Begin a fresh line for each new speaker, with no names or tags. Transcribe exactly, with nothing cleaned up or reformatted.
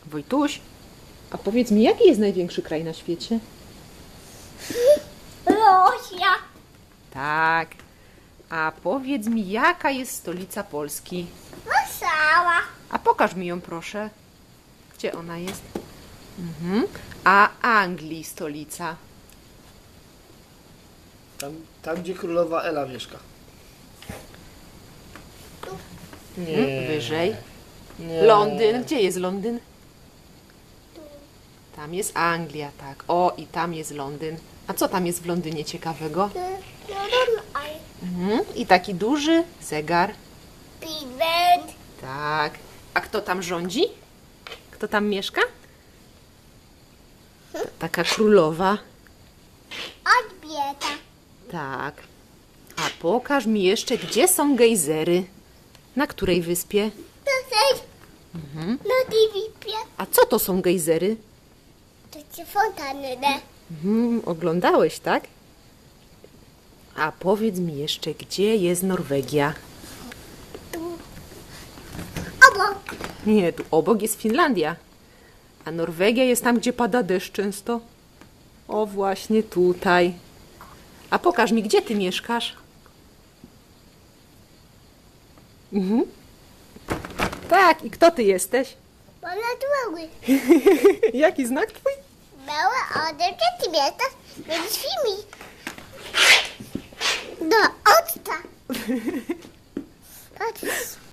Wojtuś, a powiedz mi, jaki jest największy kraj na świecie?
Rosja.
Tak. A powiedz mi, jaka jest stolica Polski?
Warszawa.
A pokaż mi ją, proszę. Gdzie ona jest? Mhm. A Anglii stolica?
Tam, tam gdzie królowa Ela mieszka.
Mhm. Wyżej.
Nie.
Londyn. Gdzie jest Londyn? Tam jest Anglia, tak. O, i tam jest Londyn. A co tam jest w Londynie ciekawego? Mhm. I taki duży zegar.
Big Band.
Tak. A kto tam rządzi? Kto tam mieszka? Taka królowa.
Odbieta.
Tak. A pokaż mi jeszcze, gdzie są gejzery. Na której wyspie?
Tutaj. Na Divipie.
A co to są gejzery?
To ci fontanny.
Mhm, oglądałeś, tak? A powiedz mi jeszcze, gdzie jest Norwegia?
Obok.
Nie, tu obok jest Finlandia. A Norwegia jest tam, gdzie pada deszcz często. O, właśnie tutaj. A pokaż mi, gdzie ty mieszkasz? Mhm. Tak, i kto ty jesteś?
Mam na dłogu.
Jaki znak twój?
Małe ode gdzie ty mieszkasz? Będziesz filmik. Do octa. Patrz.